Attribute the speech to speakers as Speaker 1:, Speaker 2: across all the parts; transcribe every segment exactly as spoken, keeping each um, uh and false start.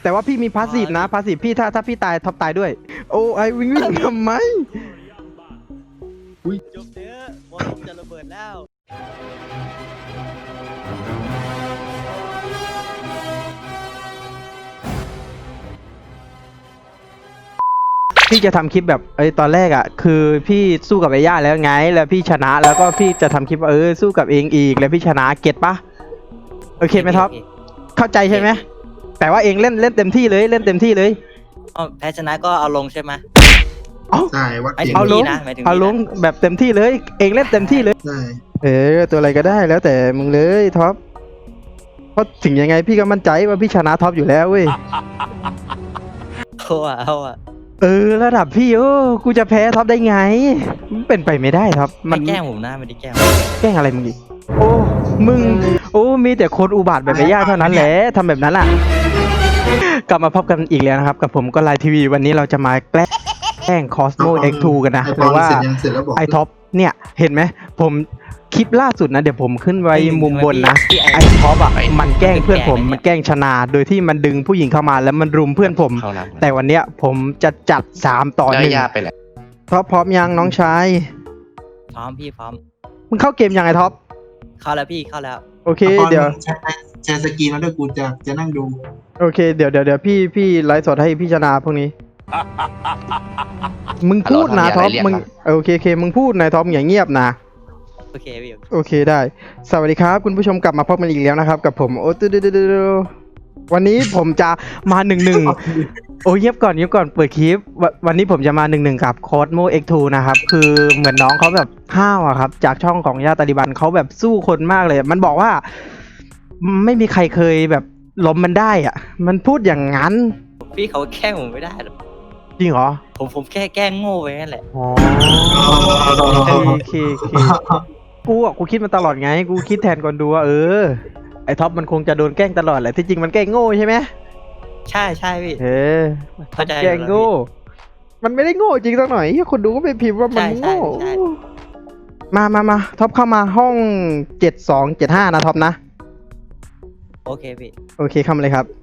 Speaker 1: แต่ว่าพี่มีพาสซีฟนะพาสซีฟพี่ถ้าถ้าพี่ตายท็อปตายด้วยโอ้ไอวิ่งวิ่งทำไม
Speaker 2: จบเถอะบอลจะระเบิดแล้ว
Speaker 1: พี่จะทำคลิปแบบเอ้ยตอนแรกอ่ะคือพี่สู้กับไอ้ย่าแล้วไงแล้วพี่ชนะแล้วก็พี่จะทำคลิปว่าเออสู้กับเองอีกแล้วพี่ชนะเก็ตปะโอเคไหมท็อปเข้าใจใช่ไหมแต่ว่าเองเล่นเล่นเต็มที่เลยเล่นเต็มที่เลย
Speaker 2: อ๋อแพ้ชนะก็เอาลงใช่ไหม
Speaker 3: ใช่วัด
Speaker 2: หมายถึ
Speaker 3: เก่ง
Speaker 2: ง
Speaker 1: เอาลง
Speaker 2: นะหมายถึง
Speaker 1: เอาลงแบบเต็มที่เลยเองเล่นเต็มที่เลย
Speaker 3: ใช่
Speaker 1: เออตัวอะไรก็ได้แล้วแต่มึงเลยท็อปเพราะถึงยังไงพี่ก็มั่นใจว่าพี่ชนะท็อปอยู่แล้วเว้ย
Speaker 2: เอาอะเอาอะ
Speaker 1: เออระดับพี่โอ้กูจะแพ้ท็อปได้ไงมันเป็นไปไม่ได้ท็อป
Speaker 2: มั
Speaker 1: มัน น
Speaker 2: แกล้งผมนะไม่ได้แกล้ง
Speaker 1: แกล้งอะไรมึงอีกโอ้มึงโอ้มีแต่คนอุบาทแบบไอ้ย่าเท่านั้นแหละทำแบบนั้นอ่ะกลับมาพบกันอีกแล้วนะครับกับผมก็ไลน์ทีวีวันนี้เราจะมาแกล้งแกล้งคอสโม เอ็กซ์ ทู กันนะ
Speaker 3: ไอ
Speaker 1: ห
Speaker 3: ปอ
Speaker 1: รื
Speaker 3: น
Speaker 1: อว่า
Speaker 3: เสร็จยังเสร็จแล้วบอก
Speaker 1: ไอท็อปเนี่ยเห็นไหมผมคลิปล่าสุดนะเดี๋ยวผมขึ้นไว้มุมบนนะไอท็อปอ่ะมันแกล้งเพื่อนผมมันแกล้งชนะโดยที่มันดึงผู้หญิงเข้ามาแล้วมันรุมเพื่อนผม
Speaker 4: เข้าน้
Speaker 1: แต่วันเนี้ยผมจะจัดสามต่อ
Speaker 4: ำแล้
Speaker 1: ห
Speaker 4: ว
Speaker 1: นึ่ง
Speaker 4: ย่าไปแหละ
Speaker 1: ท็อปพร้อมยังน้องชาย
Speaker 2: พร้อมพี่พร้อม
Speaker 1: มึงเข้าเกมยังไงท็อป
Speaker 2: เข้าแล้วพี่เข้าแล้ว
Speaker 1: โอเค
Speaker 3: ไอปอน
Speaker 1: เดี๋ยว
Speaker 3: แชร์แชร์สกรีนมาด้วยกูจะจะนั่งดู
Speaker 1: โอเคเดี๋ยวเดี๋ยวเดี๋ยวพี่พี่ไลฟ์สดให้พี่ชนะพวกนี้ มึงพูดนะท็อปมึงโอเคโอเคมึงพูดนะท็อปอย่าเงียบนะ
Speaker 2: โอเคพี่
Speaker 1: โอเคได้ สวัสดีครับคุณผู้ชมกลับมาพบกันอีกแล้วนะครับ กับผมโอ้ตูดูดูดูวันนี้ผมจะมาหนึ่งหนึ่งโอ้เงียบก่อนเงียบก่อนเปิดคลิปววันนี้ผมจะมาหนึ่งหนึ่งกับโค้ดโม เอ็กซ์ ทู นะครับคือเหมือนน้องเขาแบบห้าวอะครับจากช่องของย่าตาลิบันเขาแบบสู้คนมากเลย มันบอกว่า ไม่มีใครเคยแบบล้มมันได้อะมันพูดอย่างนั้น
Speaker 2: พี่เขาแกล้งผมไม่ได้หรอก
Speaker 1: จริงเหรอ
Speaker 2: ผมผมแค่แกล้งโง่ไปนั่นแหละ
Speaker 1: อ๋อโอเคโอเคโอเคกูอ่ะกูคิดมาตลอดไง กูคิดแทนก่อนดูว่าเออไอท็อปมันคงจะโดนแกล้งตลอดแหละที่จริงมันแกล้งโง่ใช่ไหม
Speaker 2: ใช่ใช่พี่
Speaker 1: เออ
Speaker 2: เข้าใจ
Speaker 1: แกล้งโง่ มันไม่ได้โง่จริงสักหน่อยเหี้ยคนดูก็ไปพิมพ์ว่ามัน
Speaker 2: ใช่ใช่
Speaker 1: โง่
Speaker 2: ใช่
Speaker 1: มามามาท็อปเข้ามาห้องเจ็ดสองเจ็ดห้านะท็อปนะ
Speaker 2: โอเคพี่
Speaker 1: โอเคเข้ามาเลยครับ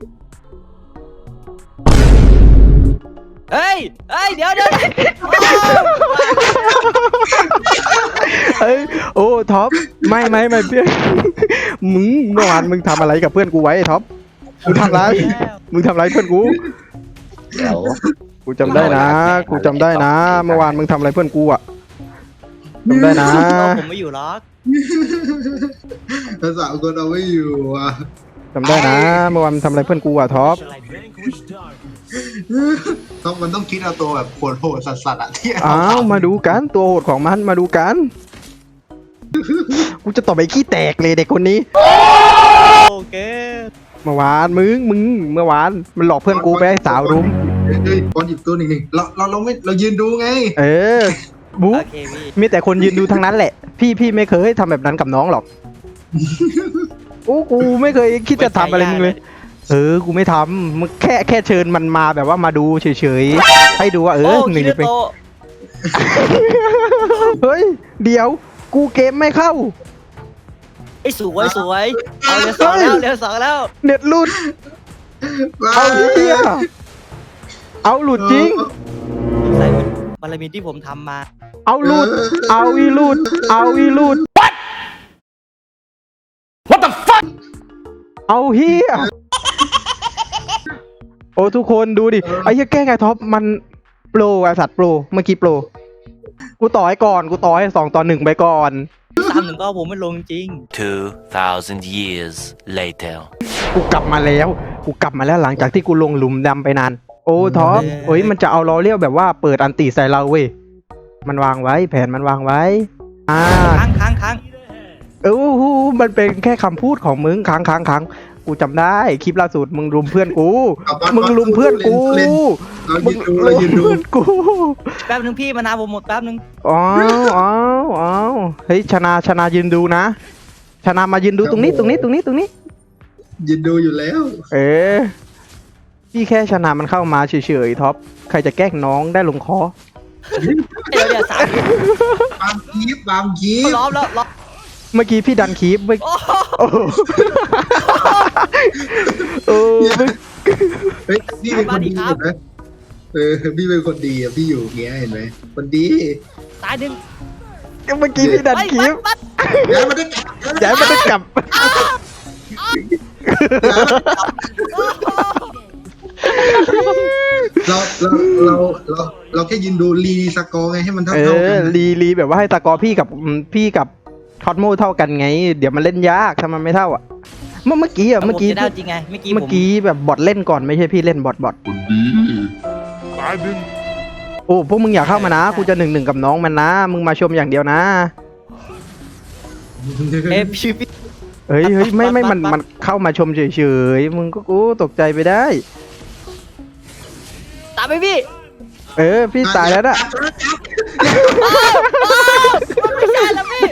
Speaker 2: เฮ้ยเฮ้ยเดี๋ยวเดี๋ยว
Speaker 1: เอ้ยโอ้ท็อปไม่ไม่ไม่เพื่อน มึงเมื่อวานมึงทำอะไรกับเพื่อนกูไว้ไอ้ท็อปมึงทำอะไรมึงทำอะไรเพื่อนกู
Speaker 4: เดี๋ยว
Speaker 1: กูจำได้นะ กูจำได้นะ เมื่อวานมึงทำอะไรเพื่อนกูอ่ะจำได้นะ
Speaker 2: ผมไม่อยู่หรอก
Speaker 3: ภาษาคนเอาไม่อยู่อ่ะ
Speaker 1: จำได้นะ เมื่อวานมึงทำอะไรเพื่อนกูอ่ะท็อป
Speaker 3: ต้องมันต้องคิดเอาตัวแบบโหดโหดสัสสัสๆอะที่
Speaker 1: อ้าวมาดูกันตัวโหดของมันมาดูกัน กูจะตบไอ้ขี้แตกเลยเด็กคนนี้
Speaker 2: โอเค
Speaker 1: เมื่อวานมึงมึงเมื่อวานมันหลอกเพื่อนกูไปให้สาวรุม
Speaker 3: เฮ้ยปอนหยิบตัวหนึ่งหนึ่งเราเราเราไม่เรายืนดูไง
Speaker 1: เออบุ๊
Speaker 2: โอเคพี่
Speaker 1: มีแต่คนยืนดูทั้งนั้นแหละ พี่พี่ไม่เคยทำแบบนั้นกับน้องหรอก โอ้กูไม่เคยคิดจะทำอะไรมึงเลย เออ กูไม่ทำมึงแค่แค่เชิญมันมาแบบว่ามาดูเฉยๆ ให้ดูว่าเอ
Speaker 2: โอ้
Speaker 1: อหนึ่ง
Speaker 2: คิริ
Speaker 1: เป็น
Speaker 2: โตะ
Speaker 1: เฮ้ย เดี๋ยว กูเกมไม่เข้า
Speaker 2: ไอ้สวยสวยเอาเรือสองแล้วเรือสองแล้ว
Speaker 1: เน็ตหลุด เอาเฮียเอาหลุดจริง
Speaker 2: ใส่บารมีที่ผมทำมา
Speaker 1: เอาหลุด เอาอีหลุด เอาอีหลุด What What the fuck เอาเฮียโอ้ทุกคนดูดิ ไอ้เหี้ยแกล้งไอ้ท็อปมันโปรไอ้สัตว์โปรเมื่อกี้โปร กูต่อให้ก่อน กูต่อให้สองต่อหนึ่งไปก่อน
Speaker 2: สามหนึ่งก็ผมไม่ลงจริง
Speaker 5: Two thousand years later.
Speaker 1: กูกลับมาแล้ว กูกลับมาแล้วหลังจากที่กูลงหลุมดำไปนาน โอ้ท็อปเฮ้ยมันจะเอาล้อเลี้ยวแบบว่าเปิดอันตีใส่เราเว้ย มันวางไว้แผนมันวางไว้ อ่า
Speaker 2: ค้างค้างค้าง
Speaker 1: เออหูมันเป็นแค่คำพูดของมึงค้างค้างค้างกูจำได้คลิปล่าสุดมึงรุมเพื่อนกู มึงรุมเพื่อนกู
Speaker 3: เรา
Speaker 1: มึ
Speaker 3: ยื
Speaker 1: ง
Speaker 3: นดูเรายืนดู
Speaker 1: เพื่อนกู
Speaker 2: แป๊บนึงพี่มานาวผมหมดแป๊บนึง
Speaker 1: อ๋ออ๋ออ๋อเฮ้ยชนะชนะยืนดูนะ ชนะมายืนดูตรงนี้ตรงนี้ตรงนี้ตรงนี้
Speaker 3: ยืนดูอยู่แล้ว
Speaker 1: เออพี่แค่ชนะมันเข้ามาเฉยๆท็อปใครจะแกล้งน้องได้ลงคอ
Speaker 2: เดี๋ยวเดี๋ยวสาม
Speaker 3: บามคีบตามคีบ
Speaker 2: ล้อมแล้วล้อม
Speaker 1: เมื่อกี้พี่ดันคีบเมื่อ
Speaker 2: โอ้โห
Speaker 1: โอ้โหเออเมื่อ
Speaker 3: เฮ้ยพี่เป็นคนดีเห็นไหมเออพี่เป็นคนดีอ่ะพี่อยู่อย่างเงี้ยเห็นไหมคนดี
Speaker 2: ตายหนึ่ง
Speaker 1: เมื่อกี้พี่ดันคลิป
Speaker 2: ปัด
Speaker 3: ย้ายมาได้กลับ
Speaker 1: ย้ายมันได้กลับ
Speaker 3: เราเราเราเราเราแค่ยืนดูรีสกอร์ไงให้มันเท่า
Speaker 1: เอ
Speaker 3: เท่า
Speaker 1: อ
Speaker 3: กัน
Speaker 1: รีรีแบบว่าให้ตะกอพี่กับอืมพี่กับท็อตโมเท่ากันไง เดี๋ยวมันเล่นยากถ้ามันไม่เท่าอ่ะ เมื่อเมื่อกี้อ่ะ
Speaker 2: เมื่
Speaker 1: เมื่
Speaker 2: อ
Speaker 1: อกี้
Speaker 2: กี้ได้จริงไงเมื่อกี้
Speaker 1: เมื่อกี้แบบบอทเล่นก่อนไม่ใช่พี่เล่นบอทบอท
Speaker 5: ตายหนึ่ง
Speaker 1: โอ้พวกมึงอย่าเข้ามานะกูจะหนึ่งหนึ่งกับน้องมันนะ มึงมาชมอย่างเดียวนะ
Speaker 2: เอยพี่พี่
Speaker 1: เฮ้ยเฮ้ยไม่ไม่
Speaker 2: บอท
Speaker 1: มัน
Speaker 2: บอท
Speaker 1: มันเข้ามาชมเฉยๆมึงก็กูตกใจไปได้
Speaker 2: ตามไปพี่
Speaker 1: เออพี่ตายแล้วนะ
Speaker 2: ไม่ใช่แล้วพี่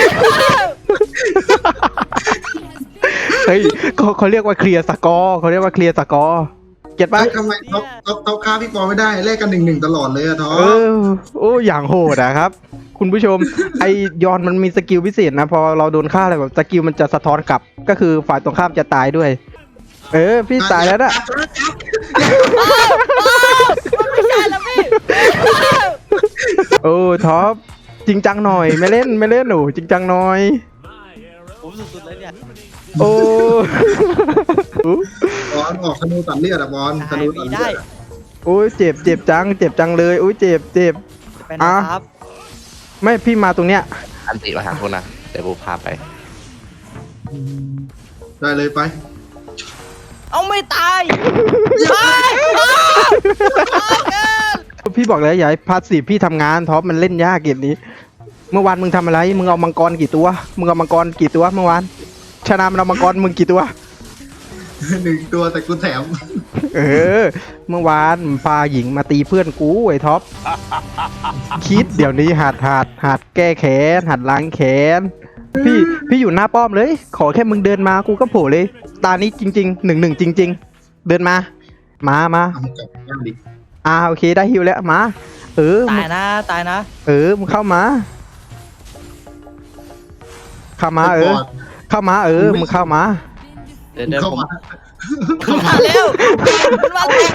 Speaker 1: เฮ้ยเขาเขาเรียกว่าเคลียร์สกอร์เขาเรียกว่าเคลียร์สกอร์เก็ตปะ
Speaker 3: เฮ้ยทำไมเขาเขาเขาฆ่าพี่ปอไม่ได้แลกกันหนึ่งหนึ่งตลอดเลยอะท้อ
Speaker 1: เออโอ้อย่างโหดอะครับ คุณผู้ชม ไอยอนมันมีสกิลพิเศษนะ พอเราโดนฆ่าอะไรแบบสกิลมันจะสะท้อนกลับ ก็คือฝ่ายตรงข้ามจะตายด้วย เออ พี่ตายแล้วนะ
Speaker 2: ไม่ใช่แล้วพี่
Speaker 1: โอ้ท็อปจริงจังหน่อยไม่เล่นไม่เล่นหนูจริงจังหน่อย
Speaker 2: ผมสุดๆเลยเนี่ย
Speaker 1: โอ้
Speaker 3: บอลออกธนูตัดเลือดอะบอลธ
Speaker 2: ได้
Speaker 3: นูตัด
Speaker 2: พี่
Speaker 3: เลื
Speaker 2: ได้
Speaker 3: อด
Speaker 1: โอ้ยเจ็บเจ็บจัง เจ็บจังเลยโอ้ยเจ็บเจ็บ
Speaker 2: ไปนะครับ
Speaker 1: ไม่พี่มาตรงเนี้ย
Speaker 4: อันติมาหาคุณนะเดี๋ยวบูพาไป
Speaker 3: ได้เลยไป
Speaker 2: เอาไม่ตาย
Speaker 1: พี่บอกแล้วอย่าให้พาสซีฟพี่ทำงานท็อปมันเล่นยากเกมนี้ เมื่อวานมึงทำอะไร มึงเอามังกรกี่ตัว มึงเอามังกรกี่ตัวเมื่อวาน ชนะมันเอามังกรมึงกี่ตัว
Speaker 3: หนึ่งตัวแต่กูแถม
Speaker 1: เออ เมื่อวานพาหญิงมาตีเพื่อนกูไอ้ท็อป คิดเดี๋ยวนี้หัดหัดหัดแก้แค้นหัดล้างแค้น พี่พี่อยู่หน้าป้อมเลย ขอแค่มึงเดินมากูก็โผล่เลย ตานี้จริงๆหนึ่งหนึ่งจริง ๆ เดินมา มามา
Speaker 3: เอามากลับบ้านดิ
Speaker 1: อ่าโอเคได้ฮิวแล้วมา เออมึ
Speaker 2: ตาง ยนะตายนะ
Speaker 1: เออมึงเข้ามา เข้ามาเออ เข้ามาเออมึงเข้ามา
Speaker 2: เดี๋ยวเดี๋ยว
Speaker 3: เข้า
Speaker 2: ผม
Speaker 3: มา
Speaker 2: มาเร็วมันมาแล้ว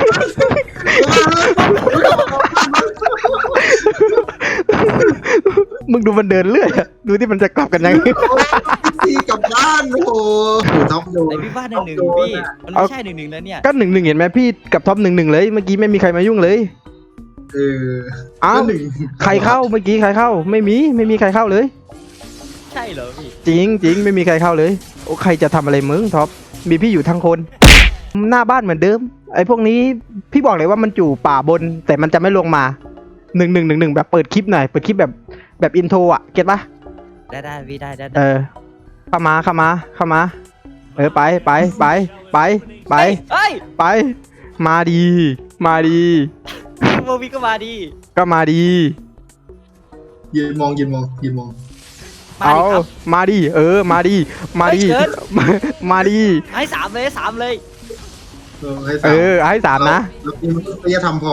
Speaker 1: มึงดูมันเดินเรื่อยอะดูที่มันจะกลับกันยังไง
Speaker 3: พี่กลับบ้านโอ้โหท็อปโดน
Speaker 2: ไอพี่บ้านหนึ่งหนึ่งพี่มันไม่ใช่หนึ่งหนึ่งแล้วเนี่ย
Speaker 1: ก็หนึ่งหนึ่งเห็นไหมพี่กับท็อปหนึ่งหนึ่งเลยเมื่อกี้ไม่มีใครมายุ่งเลย
Speaker 3: เออ
Speaker 1: อ้าว
Speaker 3: หนึ่ง
Speaker 1: ใครเข้าเมื่อกี้ใครเข้า ไม่มีไม่มีใครเข้าเลย
Speaker 2: ใช่เหรอพี่
Speaker 1: จริงจริงไม่มีใครเข้าเลยโอ้ใครจะทำอะไรมึงท็อปมีพี่อยู่ทั้งคน หน้าบ้านเหมือนเดิม ไอ้พวกนี้พี่บอกเลยว่ามันอยู่ป่าบน แต่มันจะไม่ลงมาหนึ่งหนึ่งหนึ่งหนึ่งแบบเปิดคลิปหน่อยเปิดคลิปแบบแบบอินโทรอ่ะเก็ตปะ
Speaker 2: ได้ได้พี่ได้ได้
Speaker 1: เออเข้ามาเข้ามาเข้ามา เออไปไปไปไปไป
Speaker 2: เฮ้ย
Speaker 1: ไป มาดี มาดี
Speaker 2: โมวีก็มาดี
Speaker 1: ก็มาดี
Speaker 3: ยืนมองยืนมองยืนมอง
Speaker 2: มา
Speaker 1: เอา
Speaker 2: ดิครับ
Speaker 1: มาดี เออ มาดี มาดี
Speaker 2: เฮ้ยเกิน
Speaker 1: มามาดี
Speaker 2: ให้สามเลยให้สามเลย
Speaker 3: เออให้
Speaker 1: เอ
Speaker 3: สาม
Speaker 1: อ ให้สามนะ
Speaker 3: แล้วกูมันก็จะทำพอ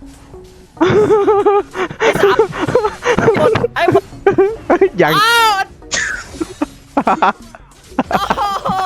Speaker 2: ให้สามหมดให้หมด
Speaker 1: ยัง
Speaker 2: อ้าวโอ้โห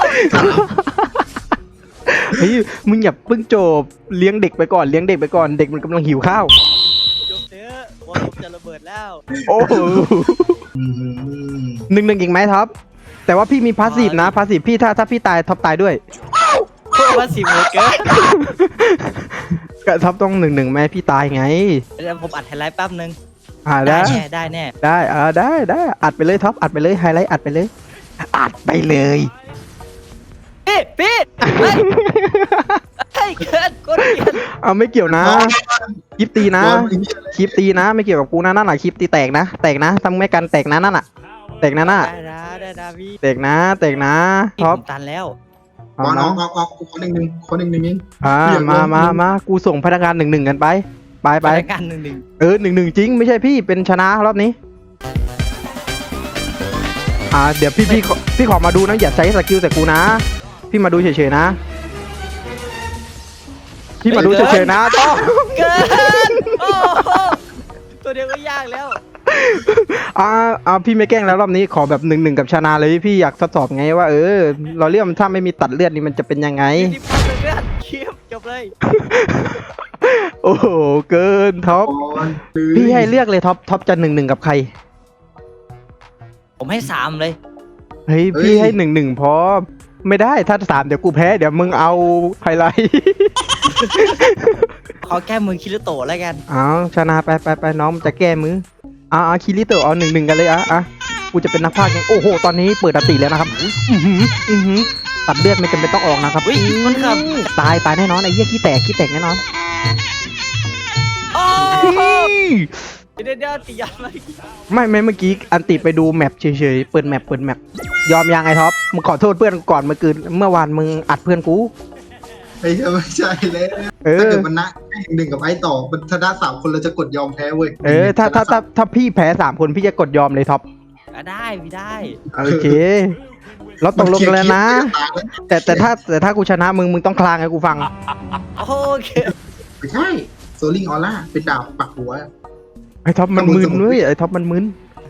Speaker 1: เฮ้ย มึงอย่าเพิ่งจบ เลี้ยงเด็กไปก่อน เลี้ยงเด็กไปก่อน เด็กมันกำลังหิวข้าว
Speaker 2: จบเถอะบอลผมจะระเบิดแล้ว
Speaker 1: โอ้โห
Speaker 3: อืม
Speaker 1: หนึ่งหนึ่งอีกไหมท็อป แต่ว่าพี่มีพาสซีฟนะ พาสซีฟพี่ถ้าถ้าพี่ตายท็อปตายด้วย
Speaker 2: ว่าสิบหมดเกิน
Speaker 1: ก็ท็อปต้องหนึ่งหนึ่งแม่พี่ตายไง
Speaker 2: เดี๋ยวผมอัดไฮไลท์แป๊บนึง
Speaker 1: อ่า
Speaker 2: ได้
Speaker 1: ได้
Speaker 2: แน่ได้แน่
Speaker 1: ได้อ่าได้ได้อัดไปเลยท็อปอัดไปเลยไฮไลท์อัดไปเลย อัดไปเลย
Speaker 2: พี่พี่เฮ้ยเฮ้ยเกินกดเกิน
Speaker 1: เอาไม่เกี่ยวนะคลิปตีนะ
Speaker 3: บอลไอ้เหี้ย
Speaker 1: คลิปตีนะไม่เกี่ยวกับกูนะนั่นแหละคลิปตีแตกนะแตกนะทำไม่กันแตกนะนั่นน่ะแตกนะน่ะ
Speaker 2: ได้นะได้นะพี่
Speaker 1: แตกนะแตกนะท็อป
Speaker 2: ผมตันแล้ว
Speaker 3: บอลออกออกออกคนหนึ่งหนึ่งคนหนึ่งหนึ่งเอง
Speaker 1: อ่า
Speaker 3: เดี๋ยว
Speaker 1: มา
Speaker 3: ลง
Speaker 1: มามากูส่งพนักงานหนึ่งหนึ่งกันไปไปไป
Speaker 2: รายการหนึ่งหนึ่ง
Speaker 1: เออหนึ่งหนึ่งจริงไม่ใช่พี่เป็นชนะรอบนี้อ่าเดี๋ยวพี่พี่ขอพี่ขอมาดูนะอย่าใช้สกิลแต่กูนะ พี่มาดูเฉยๆนะ พี่มาดูเฉยๆนะต้อง
Speaker 2: เกินโอ้โหตัวเดียวก็ยากแล้ว
Speaker 1: อ่าอ่าพี่ไม่แกล้งแล้วรอบนี้ขอแบบหนึ่งหนึ่งกับชนะเลยพี่อยากทดสอบไงว่าเออเราเรียกมันถ้าไม่มีตัดเลือดนี่มันจะเป็นยังไง
Speaker 2: ที่พักเลือดเคียบจเลย
Speaker 1: โอ้โหเกินท็อป
Speaker 3: ก่อนเลย
Speaker 1: พี่ให้เลือกเลยท็อปท็อปจะหนึ่งหนึ่งกับใคร
Speaker 2: ผมให้สามเลย
Speaker 1: เฮ้ยพี่ให้หนึ่งหนึ่งพอไม่ได้ถ้าสามเดี๋ยวกูแพ้เดี๋ยวมึงเอาไฮไลท์
Speaker 2: ขอแก้มือคิริโตะแล้วกัน
Speaker 1: เอาชนะไปไปไปน้องมันจะแก้มืออ่าอ่าคิริโตะเอาหนึ่งหนึ่งกันเลยอ่ะอ่ะกูจะเป็นนักพากย์ไงโอ้โหตอนนี้เปิดอติแล้วนะครับอือหืออือหือตัดเลือดไม่จำเป็นต้องออกนะครับ
Speaker 2: อุ้ยมันขับ
Speaker 1: ตายตายแน่นอนไอ้เหี้ยขี้แตกขี้แตกแน่นอน
Speaker 2: โอ้
Speaker 1: เฮ้ย
Speaker 2: เดี๋ยวเดี๋ยวตียันเลย
Speaker 1: ไม่ไม่เมื่อกี้อันติไปดูแมปเฉยๆเปิดแมปเปิดแมปยอมยังไงท็อปมึงขอโทษเพื่อนก่อนเมื่อคืนเมื่อวานมึงอัดเพื่อนกู
Speaker 3: ไอ้เหี้ยไม่ใช่แล้ว
Speaker 1: เอ
Speaker 3: ถ้า
Speaker 1: อ
Speaker 3: เกิดมันนะหนึ่งกับไอ้ต่อมันชนะสามคนเราจะกดยอมแพ้เว้ย
Speaker 1: เออถ้าถ้าถ้าถ้าพี่แพ้สามคนพี่จะกดยอมเลยท็อป
Speaker 2: อ่ะได้พี่ได้
Speaker 1: โอเคเราตกลงกันแล้วนะ แต่แต่ถ้าแต่ถ้ากูชนะมึงมึงต้องคลางให้กูฟัง
Speaker 2: โอเค
Speaker 3: ไม่ใช่โซลิงออร่าเป็นดาบปักหัว
Speaker 1: ไอ้ท็อปมันมึนเว้ยไอ้ท็อปมันมึน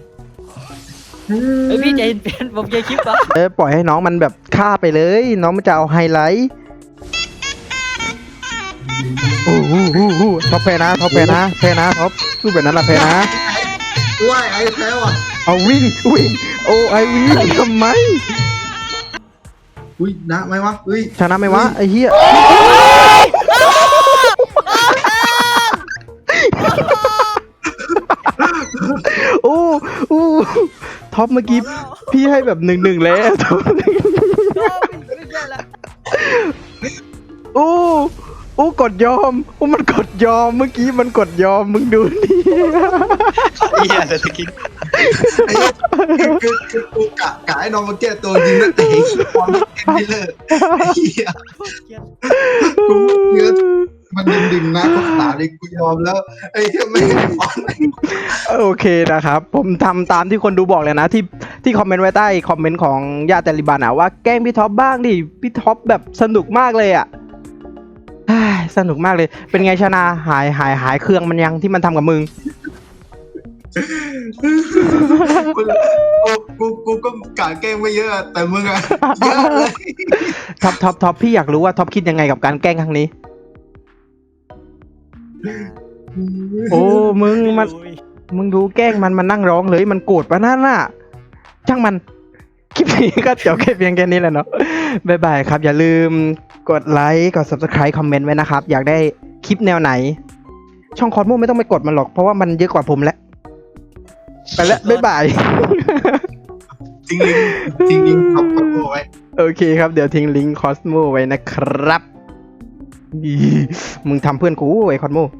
Speaker 2: เฮ้ยพี่ใจเย็นเป็นผมใจคลิปวะ
Speaker 1: เออปล่อยให้น้องมันแบบฆ่าไปเลย น้องมันจะเอาไฮไลท์โอ้โหโอ้โหท็อปแพ้นะท็อปแพ้นะแพ้นะท็อปสู้แบบนั้นละแพ้นะ
Speaker 3: ว้ายไอ้แพ้ว่ะ
Speaker 1: เอาวิ่งวิ่งโอ้ไอวิ่งทำไม
Speaker 3: อุ้ยนะไหมวะอุ้ย
Speaker 1: ชนะไหมวะไอ้เหี้ยโอ้โอ้ท็อปเมื่อกี้พี่ให้แบบหนึ่งหนึ่งแล้วท็อป
Speaker 2: ไม่ใช่ละ
Speaker 1: โอ้โอ้กดยอมโอ้มันกดยอมเมื่อกี้มันกดยอมมึงดูนี่
Speaker 4: เฮียเศรษฐกิจ
Speaker 3: ไอ้เหี้ยคือคือกูกะกะให้น้องมาแก้ตัวยิงนะแต่ไอ้ขี้บอลไม่เลิกไอ้เหี้ยกูเนื้อมันดึงๆนะภาษาเลยกูยอมแล้วไอ้เหี้ยไม่ให้บอล
Speaker 1: โอเคนะครับ ผมทำตามที่คนดูบอกเลยนะ ที่ที่คอมเมนต์ไว้ใต้คอมเมนต์ของญาติตาลิบันอะว่าแกล้งพี่ท็อปบ้างดิพี่ท็อปแบบสนุกมากเลยอะเฮ้ยสนุกมากเลย เป็นไงชนะหายหายหายเครื่องมันยังที่มันทำกับมึง
Speaker 3: กูกูกูก็กะแกล้งไม่เยอะแต่มึงอะเยอะเลย
Speaker 1: ท็อปท็อปท็อปพี่อยากรู้ว่าท็อปคิดยังไงกับการแกล้งครั้งนี้ โอ้มึงมัน มึงดูแกล้งมันมันนั่งร้องเลยมันโกรธปะนั่นน่ะช่างมันคลิปนี้ก็จบแค่เพียงแค่นี้แหละเนาะบ๊ายบายครับ อย่าลืมกดไลค์กด ซับสไครบ์ คอมเมนต์ไว้นะครับ อยากได้คลิปแนวไหน ช่องคอร์ดมูไม่ต้องไปกดมันหรอกเพราะว่ามันเยอะกว่าผมแล้วไปแล้วบ๊ายบาย
Speaker 3: จริงลิงจริงลิงขอบคุณไว้
Speaker 1: โอเคครับเดี๋ยวทิ้งลิงก์คอสโมไว้นะครับอีมึงทำเพื่อนกูไอ้คอสโม